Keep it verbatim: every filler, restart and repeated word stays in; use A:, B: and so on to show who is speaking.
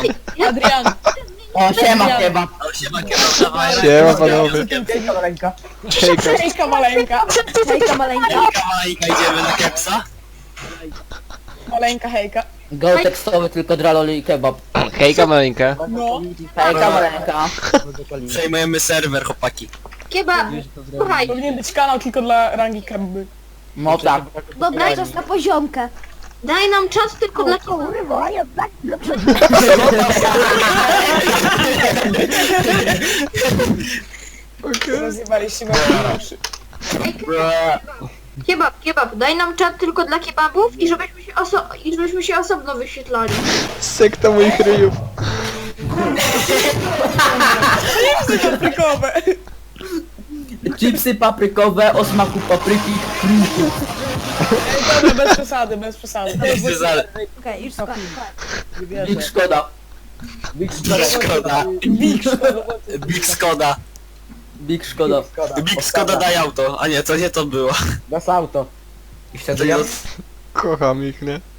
A: Adrian.
B: O, siema kebab.
C: O, siema, kebab, dawaj.
D: Siema panowie.
B: Hejka maleńka.
D: Hejka.
A: Hejka maleńka.
E: Hejka maleńka.
C: Hejka, Majka, idziemy na kepsa?
A: Maleńka hejka.
B: Go tekstowy, tylko draloli i kebab.
D: Hejka maleńka.
A: No.
B: Hejka maleńka.
C: Przejmujemy serwer, chłopaki.
E: Kieba, słuchaj,
A: Powinien być kanał tylko dla rangi kebby.
B: No tak.
E: dobra, czas na poziomkę. Daj nam czas tylko dla kurwa.
A: Rozjebaliście moje uszy.
E: Kebab, kebab, daj nam czat tylko dla kebabów i żebyśmy się, oso i żebyśmy się osobno wyświetlali.
D: Sekta moich ryjów.
A: Paprykowe.
B: Chipsy paprykowe o smaku papryki kruku.
A: Dobra, bez przesady, bez przesady.
C: Jest przesady.
E: Okej, już skończę.
B: Big szkoda. Big szkoda.
C: Szkoda.
A: Big
C: Big Skoda.
B: Big szkoda.
C: Big Skoda daj auto. A nie, to nie to było.
F: Das auto.
B: I wtedy ja...
D: Kocham ich, nie?